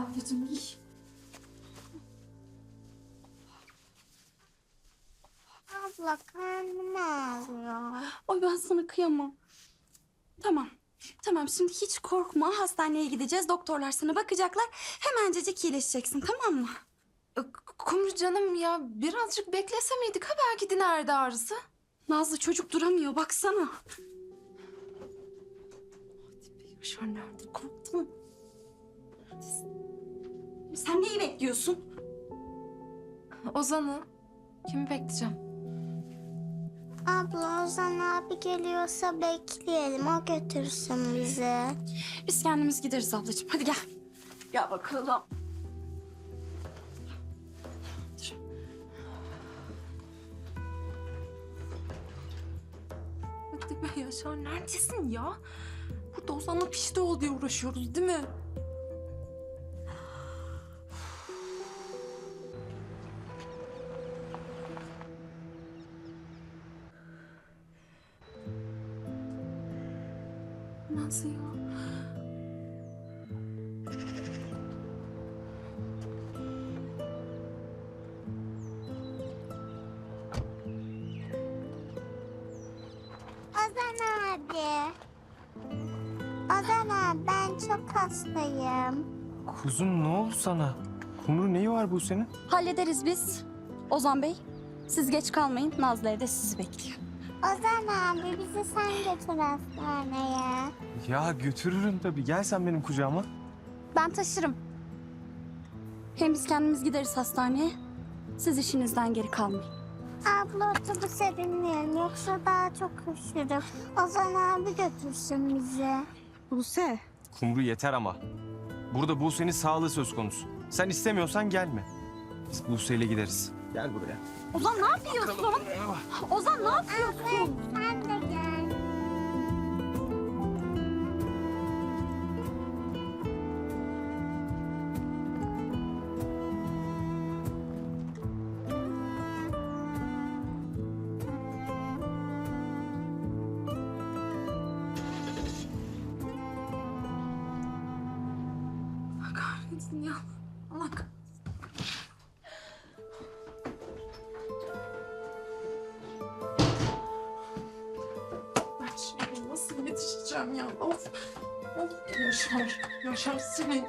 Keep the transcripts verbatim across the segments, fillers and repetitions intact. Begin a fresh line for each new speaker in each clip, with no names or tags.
ablacığım giy.
Abla karnım ağrıyor.
Oy ben sana kıyamam. Tamam. Tamam şimdi hiç korkma. Hastaneye gideceğiz. Doktorlar sana bakacaklar. Hemencecik iyileşeceksin, tamam mı?
Kumru canım ya birazcık beklese miydik? Ha belki dinerdi ağrısı.
Nazlı çocuk duramıyor. Baksana.
Yaşar nerede?
Korktum. Sen neyi bekliyorsun?
Ozan'ı. Kimi bekleyeceğim?
Abla Ozan abi geliyorsa bekleyelim. O götürsün bizi.
Biz kendimiz gideriz ablacığım. Hadi gel. Gel bakalım.
Hadi be Yaşar neredesin ya? Burada Ozan'la pişti ol diye uğraşıyoruz değil mi? Nasıl ya?
Ozan abi. Ozan abi ben çok hastayım.
Kuzum ne oldu sana? Kumru neyi var bu senin?
Hallederiz biz. Ozan Bey, siz geç kalmayın. Nazlı evde sizi bekliyor.
Ozan abi bizi sen götür hastaneye.
Ya götürürüm tabii. Gel sen benim kucağıma.
Ben taşırım. Hem biz kendimiz gideriz hastaneye. Siz işinizden geri kalmayın.
Abla otobüse binmeyelim yoksa daha çok üşürüm. Ozan abi götürsün bizi.
Buse.
Kumru yeter ama. Burada Buse'nin sağlığı söz konusu. Sen istemiyorsan gelme. Biz Buse'yle gideriz. Gel buraya.
Ozan ne yapıyorsun? Ozan ne yapıyorsun?
Sen de gel.
Allah kahretsin ya. Allah kahretsin. Ben şimdi nasıl yetişeceğim ya? Of. Of. Yaşar. Yaşar senin.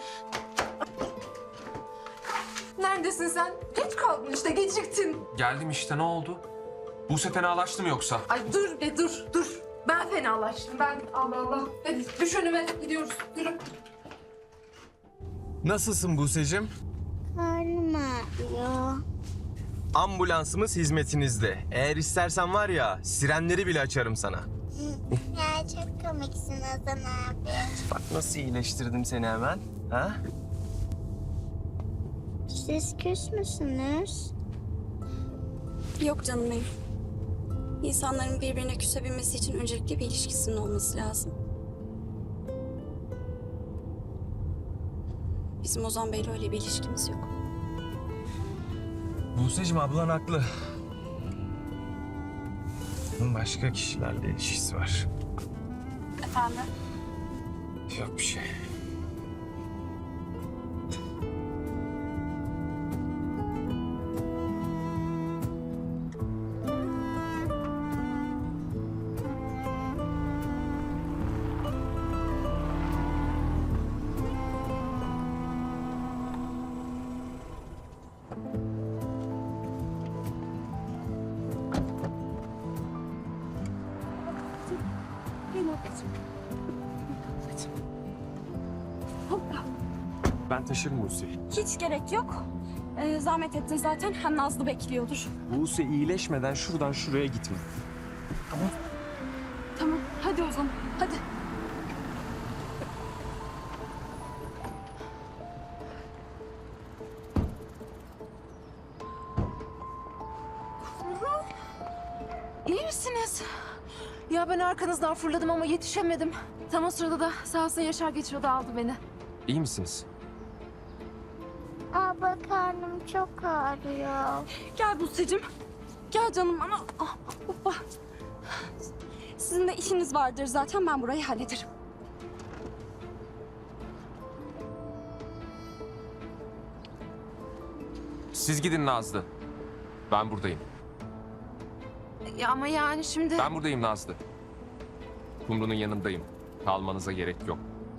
Neredesin sen? Geç kaldın işte geciktin.
Geldim işte, ne oldu? Buse fenalaştı mı yoksa?
Ay dur be dur dur. Ben fenalaştım. Ben Allah Allah. Hadi düş önüme gidiyoruz. Yürü.
Nasılsın Buse'cim?
Karnım ağrıyor.
Ambulansımız hizmetinizde. Eğer istersen var ya sirenleri bile açarım sana.
Ya çok komiksin Ozan abi.
Bak nasıl iyileştirdim seni hemen. Ha?
Siz küs müsünüz?
Yok canım benim. İnsanların birbirine küsebilmesi için öncelikle bir ilişkisinin olması lazım. Bizim Ozan Bey'le öyle bir ilişkimiz yok.
Buse'cim ablan haklı. Bunun başka kişilerle ilişkisi var.
Efendim?
Yok bir şey.
Hoppa.
Ben taşırım Buse'yi.
Hiç gerek yok. Ee, zahmet ettin zaten. Hem Nazlı bekliyordur.
Buse iyileşmeden şuradan şuraya gitme.
Tamam. Hadi o zaman. Hadi.
İyi misiniz? Ya ben arkanızdan fırladım ama yetişemedim. Tam o sırada da sağ olsun Yaşar geçiyordu aldı beni.
İyi misiniz?
Abla karnım çok ağrıyor.
Gel Buse'cim. Gel canım ama... Ah, hoppa. Sizin de işiniz vardır zaten. Ben burayı hallederim.
Siz gidin Nazlı. Ben buradayım.
Ya ama yani şimdi...
Ben buradayım Nazlı. Kumru'nun yanındayım. Kalmanıza gerek yok.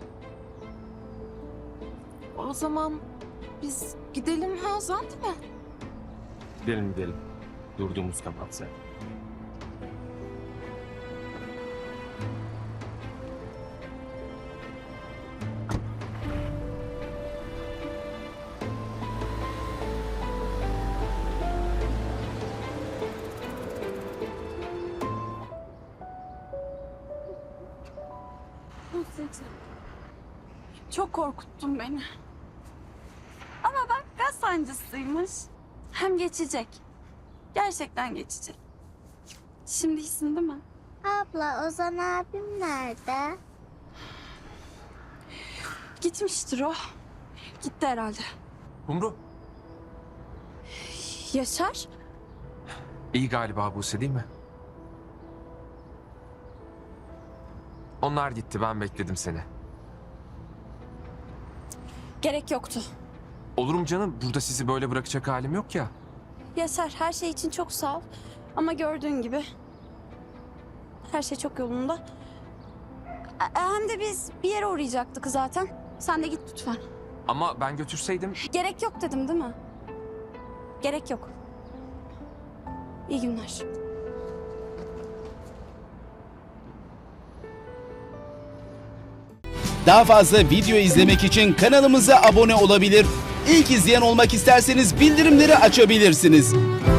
O zaman biz gidelim ha Ozan, değil mi?
Gidelim gidelim. Durduğumuz kapat sen.
Çok korkuttun beni. Ama bak gaz sancısıymış. Hem geçecek. Gerçekten geçecek. Şimdi iyisin değil mi?
Abla Ozan abim nerede?
Gitmiştir o. Gitti herhalde.
Kumru.
Yaşar?
İyi galiba Buse değil mi? Onlar gitti, ben bekledim seni.
Gerek yoktu.
Olurum canım, burada sizi böyle bırakacak halim yok ya.
Yaşar, her şey için çok sağ ol. Ama gördüğün gibi her şey çok yolunda. E, Hem de biz bir yere uğrayacaktık zaten. Sen de git lütfen.
Ama ben götürseydim...
Gerek yok dedim değil mi? Gerek yok. İyi günler.
Daha fazla video izlemek için kanalımıza abone olabilir. İlk izleyen olmak isterseniz bildirimleri açabilirsiniz.